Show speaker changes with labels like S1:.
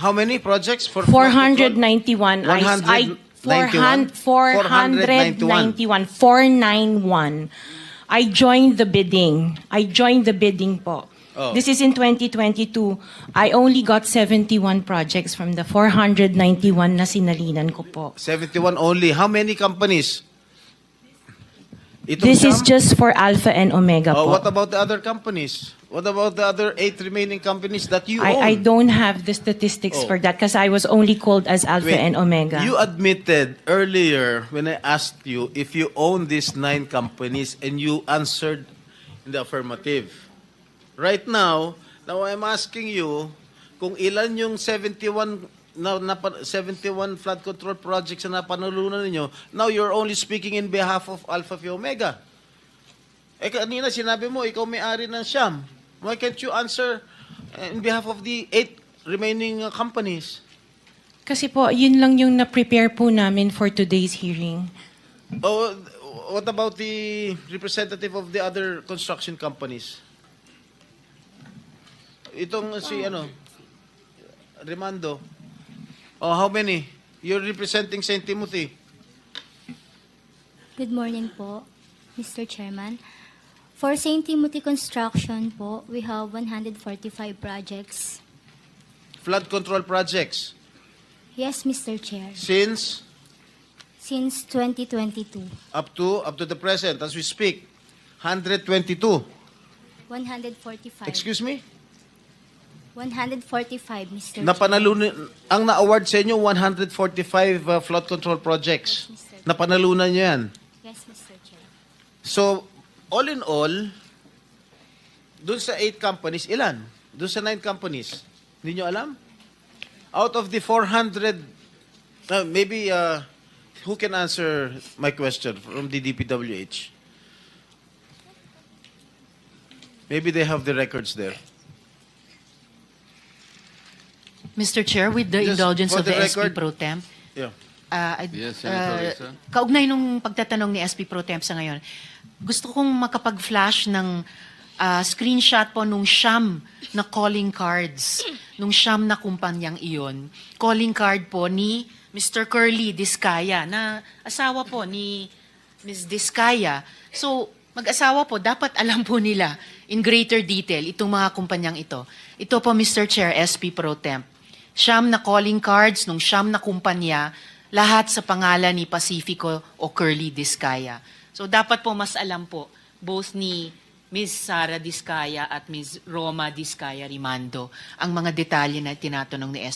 S1: How many projects for
S2: 491.
S1: 191?
S2: 491. 491. I joined the bidding. Po.
S1: Oh.
S2: This is in 2022. I only got 71 projects from the 491 na sinalinan ko po.
S1: 71 only. How many companies? Itong
S2: This is
S1: Sham?
S2: just for Alpha and Omega
S1: Oh,
S2: po.
S1: what about the other companies? What about the other 8 remaining companies that you own?
S2: I don't have the statistics
S1: Oh.
S2: for that because I was only called as Alpha
S1: Wait,
S2: and Omega.
S1: You admitted earlier when I asked you if you own these 9 companies and you answered in the affirmative. Right now I'm asking you kung ilan yung 71 71 flood control projects na napanalunan ninyo. Now you're only speaking in behalf of Alpha Phi Omega. Eh kanina sinabi mo ikaw may-ari ng Sham. Why can't you answer in behalf of the 8 remaining companies?
S2: Kasi po, yun lang yung na-prepare po namin for today's hearing.
S1: Oh, what about the representative of the other construction companies? Itong si Remando. Oh, how many? You're representing St. Timothy.
S3: Good morning po, Mr. Chairman. For St. Timothy Construction po, we have 145 projects.
S1: Flood control projects.
S3: Yes, Mr. Chair.
S1: Since
S3: Since 2022,
S1: up to the present as we speak, 122.
S3: 145.
S1: Excuse me?
S3: 145, Mr.
S1: Napanalunan ang na-award sa inyo 145 flood control projects.
S3: Yes, Mr.
S1: Napanalunan niyo 'yan.
S3: Yes, Mr. Chair.
S1: So, all in all, dun sa 8 companies, ilan? Dun sa 9 companies, hindi nyo alam? Out of the 400, maybe, who can answer my question from the DPWH? Maybe they have the records there.
S4: Mr. Chair, with the
S1: Just
S4: indulgence
S1: for
S4: of
S1: the
S4: the SP
S1: record-
S4: Pro Temp,
S1: Yeah.
S5: Yes, Senator Risa.
S4: kaugnay nung pagtatanong ni SP Pro Temp sa ngayon, gusto kong makapag-flash ng screenshot po nung Sham na calling cards, nung Sham na kumpanyang iyon. Calling card po ni Mr. Curly Discaya, na asawa po ni Ms. Discaya. So, mag-asawa po, dapat alam po nila in greater detail itong mga kumpanyang ito. Ito po, Mr. Chair, SP Pro Temp. Siyam na calling cards nung siyam na kumpanya, lahat sa pangalan ni Pacifico o Curly Discaya. So dapat po mas alam po, both ni Ms. Sara Discaya at Ms. Roma Discaya Rimando, ang mga detalye na tinatanong ni